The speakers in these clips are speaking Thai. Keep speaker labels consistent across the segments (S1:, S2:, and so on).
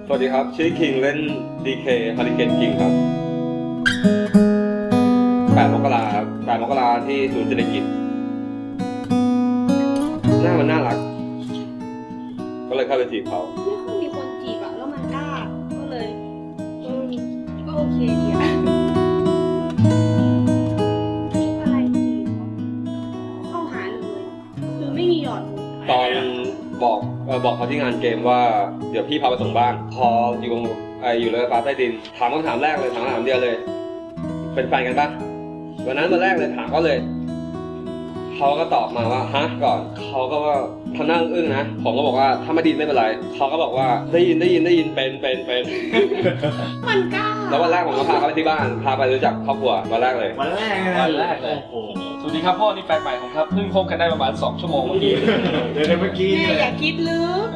S1: สวัสดีครับชื่อคิงเล่น DK Hurricane King ครับ8 มกราครับ8 มกราที่ศูนย์เศรษฐกิจหน้ามันน่ารักก็เลยเข้าไปจีบเขา
S2: ไม่ค่อยมีคนจีบอะแล้วมันกล้าก็เลยก็โอเคดีอะอะไรจีบเข้าหาเลยคือไม่มีหยอด
S1: ตอนบอกเขาที่งานเกมว่าเดี๋ยวพี่พาไปส่งบ้านพออยู่เลยฟ้าใต้ดินถามคำถามแรกเลยถามคำถามเดียวเลยเป็นแฟนกันปะวันนั้นวันแรกเลยถามเขาเลยเขาก็ตอบมาว่าฮะก่อนเขาก็ว่าทำหน้าอึ้งนะผมก็บอกว่าถ้าไม่ดีไม่เป็นไรเขาก็บอกว่าได้ยินเป็น
S2: มันกล้า
S1: แล้ววันแรกผมก็พาเขาไปที่บ้านพาไปรู้จักครอบครัววันแรกเลย
S3: วันแรกเลยโอ้โห
S4: สวัสดีครับพ่อนี่แฟนใหม่ผมครับเพิ่งคบกันได้ประมาณ2 ชั่วโมงเมื่อกี้
S3: เมื่อกี้
S2: แม่อย่าคิดลึก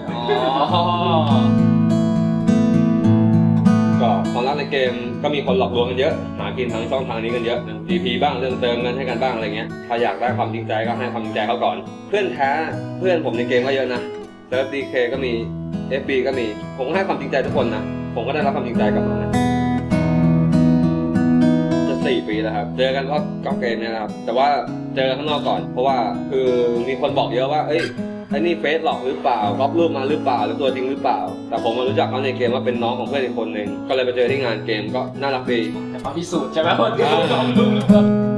S1: ก็ความรักในเกมก็มีคนหลอกลวงกันเยอะหากินทางช่องทางนี้กันเยอะ GP บ้างเรื่องเติมเงินให้กันบ้างอะไรเงี้ยถ้าอยากได้ความจริงใจก็ให้ความจริงใจเขาก่อนเพื่อนแท้เพื่อนผมในเกมก็เยอะนะเซิร์ฟ DK ก็มี FB ก็มีผมก็ให้ความจริงใจทุกคนนะผมก็ได้รับความจริงใจกลับมานะจะ4 ปีแล้วครับเจอกันเพราะเกมเนี่ยครับแต่ว่าเจอข้างนอกก่อนเพราะว่าคือมีคนบอกเยอะว่าเอ้ยไอ้นี่เฟซหลอกหรือเปล่าก๊อปรูปมาหรือเปล่าหรือตัวจริงหรือเปล่าแต่ผมมารู้จักเขาในเกมว่าเป็นน้องของเพื่อนอีกคนหนึ่งก็เลยไปเจอที่งานเกมก็น่ารักดี
S4: แต่มาพิสูจน์ใช่ไหมว่า